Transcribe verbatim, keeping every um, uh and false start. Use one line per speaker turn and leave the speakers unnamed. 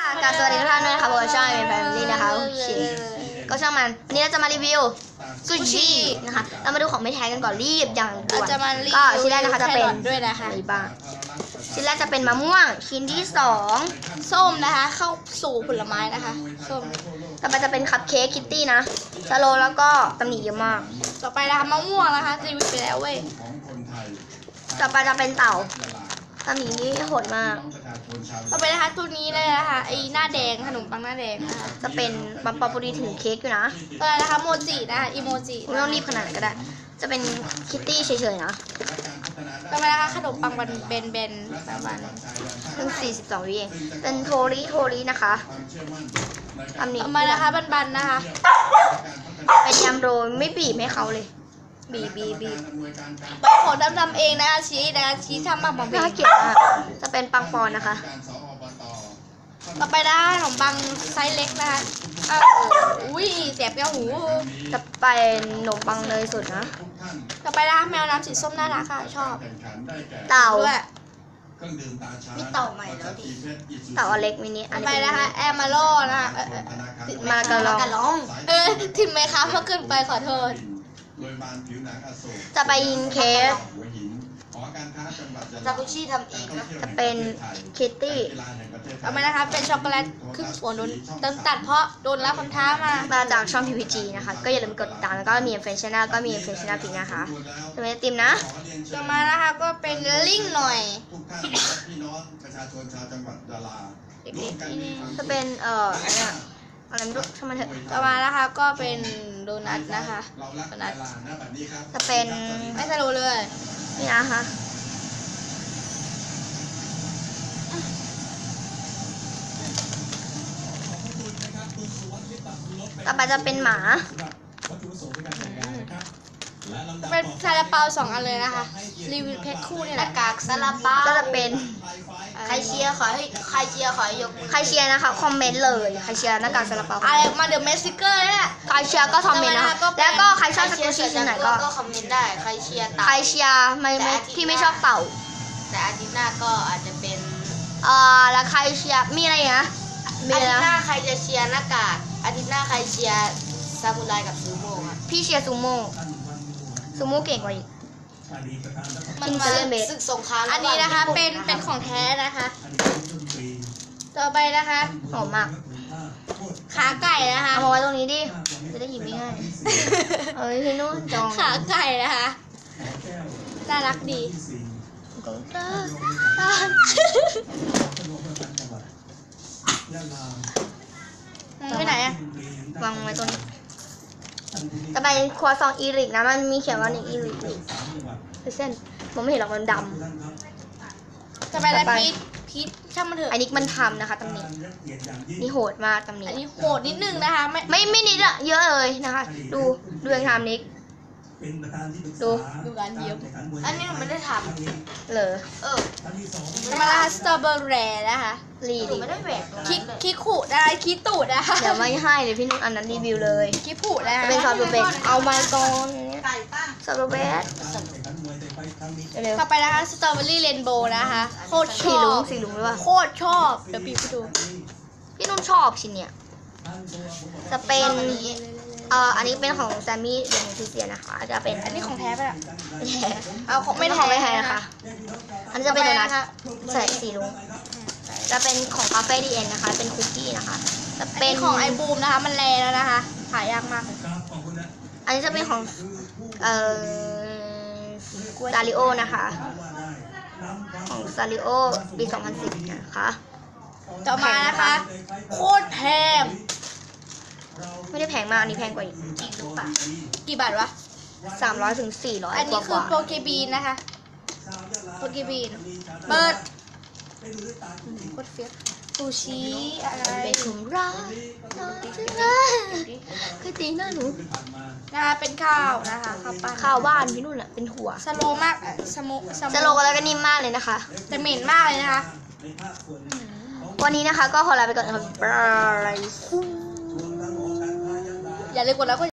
กับสวัสดีทุกท่านด้วยนะคะผมช่องเป็นแฟมิลี่นะคะโอเคก็ช่างมันวันนี้เราจะมารีวิวซูชินะคะเรามาดูของไม่แท้กันก่อนรีบอย่างด่วนก็ชิ้นแรกนะคะจะเป็น
ด้วยนะคะ
อะไรบ้างชิ้นแรกจะเป็นมะม่วงชิ้นที่สอง
ส้มนะคะเข้าสู่ผลไม้นะคะส้ม
ต่อไปจะเป็นคัพเค้กคิตตี้นะสโลแล้วก็ตำหนิเยอะมาก
ต่อไปนะคะมะม่วงนะคะรีวิวไปแล้วเว้ย
ต่อไปจะเป็นเต่าตำหนินี่โหดมาก
ต่อไปนะคะตัวนี้เลยนะคะไอ้หน้าแดงขนมปังหน้าแดงนะคะ
จะเป็นบัมปาปุรีถือเค้กอยู่นะ
ต่อไปนะคะโมจินะคะอีโมจิ
ไม่ต้องรีบขนาดนั้นก็ได้จะเป็นคิตตี้เฉยๆนะ
ต่อไปนะคะขนมปังบันเบนเบนประมาณ
เพิ่งสี่สิบสองวิเองเป็นโทริโทรินะคะ
ตำหนิต่อมานะคะบันๆนะคะ
เป็นยำโรยไม่บีบให้เขาเลยบีบีบี
ใบของดำๆเองนะคะชี้นะคะชี้ทำมาบาง
น่าเกลียดมากจะเป็นปังปอนนะคะ
ต่อไปได้ขนมปังไซส์เล็กนะคะอ้าวอุ้ยแสบแก้วหู
จะเป็นขนมปังเนยสดนะ
ต่อไปนะคะแมวน้ำสีส้มน่ารักค่ะชอบ
เต่า
ด้วยนี่เต่าใหม่แล้วดิ
เต่าอเล็กมินิ
ต่อไปนะคะแอมมาโลนะคะ
มากระลอง
เออทิมไหมคะเพราะเกินไปขอโทษ
จะไปยิงเค้ก
จากุชิทำเองนะ
จะเป็นคิตตี้
ต่อไปนะคะเป็นช็อกโกแลตครึ่งส่วนโดนเติมตัดเพราะโดนรับคำท้ามา
มาจากช่อง พี พี จี นะคะก็อย่าลืมกดติดตามแล้วก็มีเฟซชแนลก็มีเฟซชแนลพิงนะคะจะเป็นติมนะ
ต่อมานะคะก็เป็นลิงหน่อย
จะเป็นเอ่ออะไรอะไรไม่รู้ช่างมันเถอะ
ต่อมานะคะก็เป็นโดนัทนะคะโดนัท
จะเป็น
ไม่สโลเลย
นี่นะคะต่อไปจะเป็นหมา
เป็นซาลาเปาสองอันเลยนะคะรีวิวแพ็คคู่เนี่ยแหละ
กากซาลาเปาก็จะเป็น
ใครเชียร์ขอให้ใครเชียร์ขอให้ยก
ใครเชียร์นะคะคอมเมนต์เลยใครเชียร์หน้ากากซาลาเปา
อะไรมาเดอะเมสซิเกอร์เนี่ย
ใครเชียร์ก็คอมเมนต์นะคะแล้วก็ใครชอบสกูชี่ที่ไหนก็
คอมเมนต์ได้ใครเชียร์
ใครเชียร์ไม่ไม่ที่ไม่ชอบเต่า
แต่อาทิตย์หน้าก็อาจจะเป็น
เอ่อแล้วใครเชียร์มีอะไรนะ
อาทิตย์หน้าใครจะเชียร์หน้ากากอาทิตย์หน้าใครเชียร์ซามูไรกับซูโม่ครับ
พี่เชียร์ซูโม่ซูโม่เก่งกว่าอีก
มันมาศึกสงคราม
อันนี้นะคะ
เป็นเป็นของแท้นะคะต่อไปนะคะ
หอมมาก
ขาไก่นะคะ
เอาไว้ตรงนี้ดิจะได้หยิบง่ายเอ้ยพี่นุ่นจอง
ขาไก่นะคะน่ารักดีไปไหนอะ
วางไว้ตรงนี้จะไปครัวซองอีริกนะมันมีเขียนว่านี่อีริกเส้นผมไม่เห็นหรอกมันด
ำจะไปอะไรพีทพีทช่างมันเถอะ
อันนี้มันทำนะคะตำหนินี่โหดมากตำหนิ
อันนี้โหดนิดนึงนะคะไม่
ไม่ไม่นิดอะเยอะเลยนะคะดูดูอย่างทำนิกดู
ดูการเยี่ยมอันนี้หนูไม่ได้ท
ำเลย
เออมาลาสตรอเบอร์รี่นะคะ
รีดิ
ไม่ได้แหวกคิดคิดขู่ได้คิดตูดนะคะ
เดี๋ยวไม่ให้เลยพี่นุ่นอันนั้นรีวิวเลย
คิดขู่นะคะ
เป็นซอสบลูเบอร์เอามาก่อนซอสบลูเบอร์
ต่อไปนะคะสตรอเบอรี่เรนโบว์นะคะโคตรชอบ
สีลุงหรือเปล่า
โคตรชอบเดี๋ยวพี่ไปดู
พี่นุ่นชอบชิ้นเนี้ยจะเป็นเอ่ออันนี้เป็นของแซมมี่เดนทิเซียนะคะจะเป็น
อันนี้ของแท้ป่ะ
เอาของไม่แท้ไม่แท้นะคะอันนี้จะเป็นโดนัทใส่สีลุงจะเป็นของคาเฟ่ดีเอ็นนะคะเป็นคุกกี้นะคะจะ
เป็นของไอบูมนะคะมันแรงแล้วนะคะหายากมาก
อันนี้จะเป็นของเอ่อซาริโอนะคะของซาริโอปีสองพันสิบนะคะ
ต่อมานะคะโคตรแพง
ไม่ได้แพงมากอันนี้แพงกว่าอีก
กี่บาทวะ
สามร้อยถึงสี่ร้อย
อันนี้คือโปเกบีนนะคะโปเกบีนเปิดโคตรเฟี้ยวซูชิอะไร
เป็นถุงรักคือตีหน้าหนู
นะคะเป็นข้าวนะคะข้าวปั้น
ข้าวบ้านพี่นุ่นอะเป็นถั่ว
สโลมากสโม
สโลแล้วก็นิ่มมากเลยนะคะ
แต่เหม็นมากเลยนะคะ
วันนี้นะคะก็ขอลาไปก่อนนะครับบาย
อย่าลืมกดไลค์